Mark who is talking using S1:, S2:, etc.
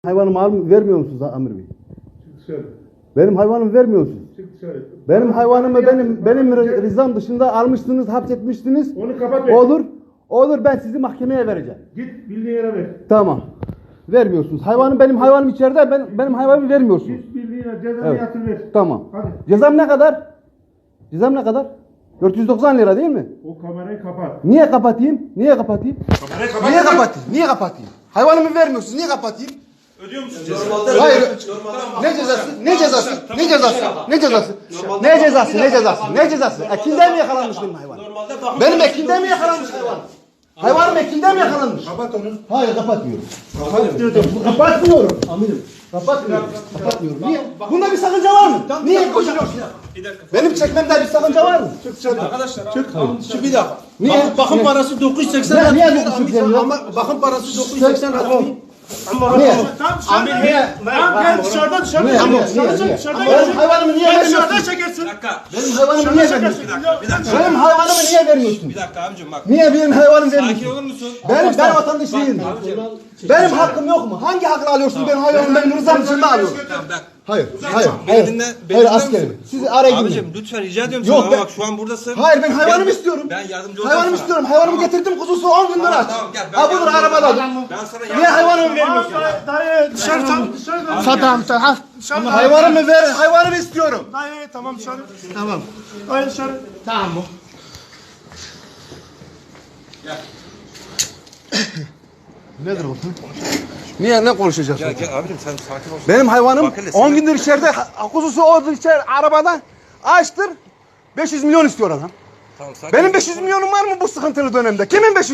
S1: Hayvanımı vermiyor musunuz Amir Bey?
S2: Söyle.
S1: Benim hayvanımı vermiyor musunuz?
S2: Söyle.
S1: Benim hayvanımı benim rızam dışında almıştınız, hapsetmiştiniz.
S2: Onu kapat.
S1: Olur ben sizi mahkemeye vereceğim.
S2: Git bildiğin yere ver.
S1: Tamam. Vermiyorsunuz. Benim hayvanım içeride. Benim hayvanımı vermiyorsunuz.
S2: Git bildiğin yere cezanı
S1: Evet.
S2: yatır ver.
S1: Tamam.
S2: Hadi.
S1: Cezam ne kadar? Cezam ne kadar? 490 lira değil mi?
S2: O kamerayı kapat.
S1: Niye kapatayım? Niye kapatayım?
S2: Kamerayı kapat.
S1: Niye kapatayım? Niye kapatayım? Hayvanımı vermiyorsunuz. Niye kapatayım?
S3: Ödüyor musun cezayı?
S1: Hayır. Ne cezası? Ne cezası? Ne cezası? Ne cezası? Ne cezası? Ne cezası? Ne cezası? Ekinde mi yakalanmış benim hayvanım? Benim ekinde mi yakalanmış hayvanım? Hayvanım ekinde mi yakalanmış?
S2: Kapat onu.
S1: Hayır kapatmıyorum. Kapatmıyorum. Amirim. Kapatmıyorum. Niye? Bunda bir sakınca var mı? Niye koşuyorsun?
S3: Bir dakika.
S1: Benim çekmemde bir sakınca var mı?
S3: Arkadaşlar şu bir dakika.
S1: Niye?
S3: Bakım parası 980
S1: Niye
S3: lira.
S1: 980 lira?
S3: Ama bakım parası 980 lira.
S1: Niye?
S3: Amir
S1: Niye?
S4: Tamam gel dışarıdan dışarıdan.
S1: Niye?
S4: Tamam,
S1: Niye?
S4: dışarıdan
S1: Niye?
S4: dışarıdan
S1: Benim
S4: çekersin.
S1: hayvanımı niye
S4: Gel dışarıdan
S1: vermiyorsun?
S4: çekersin.
S3: Bir dakika.
S1: Benim hayvanımı niye vermiyorsun?
S3: Bir dakika.
S1: Benim hayvanımı niye vermiyorsun?
S3: Bir dakika abicim bak.
S1: Niye benim hayvanımı
S3: Sakin
S1: vermiyorsun?
S3: olur musun?
S1: Ben vatandaş değilim. Benim hakkım yok mu? Hangi hakla alıyorsunuz benim hayvanımı? Benim rızam dışında alıyorum.
S3: Tamam bak.
S1: Hayır.
S3: Beni dinle.
S1: Hayır askerim. Sizi araya gidin.
S3: Abicim lütfen rica ediyorum
S1: Yok,
S3: sana.
S1: ben-
S3: Bak şu an buradasın.
S1: Hayır ben hayvanımı
S3: Gel,
S1: istiyorum.
S3: Ben yardımcı olacağım
S1: Hayvanımı
S3: sana.
S1: istiyorum. Hayvanımı getirdim kuzusu 10 gündür aç.
S3: Tamam, gel, ben
S1: Ha budur
S3: yardımcı
S1: arabada.
S3: olacağım. Ben sana
S1: Niye hayvanımı vermiyorsun?
S4: Dayı dışarı tamam dışarı.
S1: Satam sen ha.
S4: Dışarı.
S1: Hayvanımı ver. Hayvanımı istiyorum.
S4: Dayı tamam dışarı.
S1: Tamam.
S4: Dayı dışarı.
S1: Tamam bu. Nedir o? Niye ne konuşacağız?
S3: Gel gel abicim sen sakin ol.
S1: Benim hayvanım
S3: Bak hele
S1: 10
S3: sen-
S1: gündür içeride, kuzusu orada içeride arabada açtır. 500 milyon istiyor adam.
S3: Tamam, sakin
S1: Benim
S3: ol.
S1: 500 milyonum var mı bu sıkıntılı dönemde? Kimin 500